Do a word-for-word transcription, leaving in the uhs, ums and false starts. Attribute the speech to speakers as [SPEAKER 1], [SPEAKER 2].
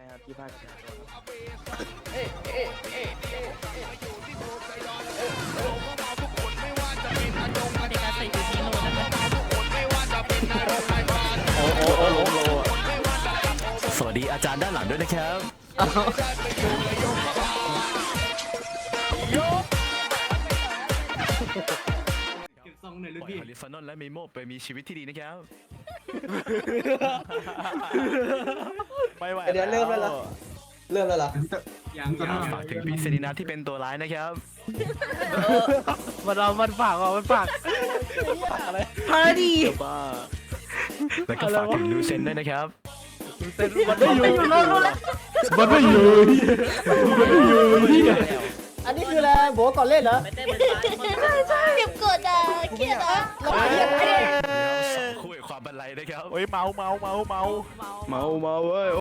[SPEAKER 1] ครับที่ภาคชาตัวครับ
[SPEAKER 2] เอ๊ะเอ๊ะเอ๊ะเอ๊ะเอ๊ะ
[SPEAKER 3] เด็กอาศัยอยู่ที่โน่นนะคะ
[SPEAKER 1] โอ้โอ้โอ้ล้มโล
[SPEAKER 4] สวัสดีอาจารย์ด้านหลังด้วยนะครับ
[SPEAKER 5] เก็บซองหน่อยลู
[SPEAKER 4] ป
[SPEAKER 5] ก
[SPEAKER 4] ล่อย
[SPEAKER 5] พี่
[SPEAKER 4] ฮอลิฟานอนและมิโมไปมีชีวิตที่ดีนะครับ
[SPEAKER 1] ไม่ไหว
[SPEAKER 2] เดี๋ยวเริ่มแล้วเหรอ เริ่มแล้วเหรอ
[SPEAKER 5] ยังยัง
[SPEAKER 4] ฝากถึงพี่เซรีนาที่เป็นตัวร้ายนะครับ
[SPEAKER 1] มันเรามันฝากอ่ะมันฝากอะไร
[SPEAKER 3] พาดี
[SPEAKER 1] บ้า
[SPEAKER 4] แล้วก็ฝากถึงลูเซนด้วยนะครับ
[SPEAKER 1] เต้นมันไม่อยู่
[SPEAKER 3] รู้รู้แล้ว
[SPEAKER 1] มันไม่อยู่มันไม่อยู่ที่
[SPEAKER 2] อันนี้คืออะไรโบก่อนเล่นเหรอ
[SPEAKER 3] ใช่ใช่เก็บกดอ่ะเครียดอ่ะ
[SPEAKER 2] เรามาเรียนไม่ได้
[SPEAKER 4] คุยความบันไลนะครับ
[SPEAKER 1] เฮ้ยเมาเมาเมาเมา
[SPEAKER 3] เมา
[SPEAKER 1] เมาเมาเว้ย